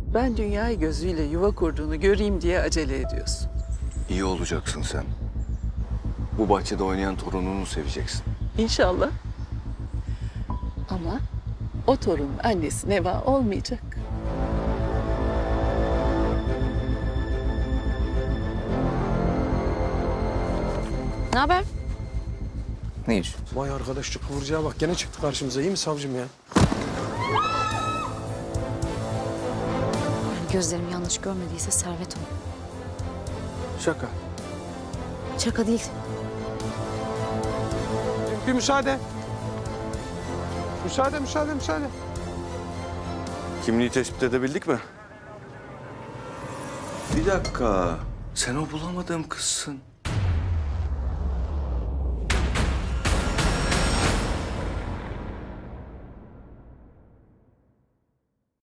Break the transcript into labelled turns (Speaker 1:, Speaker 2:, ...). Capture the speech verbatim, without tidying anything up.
Speaker 1: Ben dünyayı gözüyle yuva kurduğunu göreyim diye acele ediyorsun.
Speaker 2: İyi olacaksın sen. Bu bahçede oynayan torununu seveceksin.
Speaker 1: İnşallah. Ama o torunun annesi Neva olmayacak.
Speaker 3: Ne haber?
Speaker 2: Ne iş?
Speaker 4: Vay arkadaş şu kıvırcığa bak gene çıktı karşımıza. İyi mi savcım ya?
Speaker 3: Yani gözlerim yanlış görmediyse Servet o.
Speaker 4: Şaka.
Speaker 3: Şaka değil.
Speaker 4: Bir müsaade. Müsaade, müsaade, müsaade.
Speaker 2: Kimliği tespit edebildik mi? Bir dakika. Sen o bulamadığım kızsın.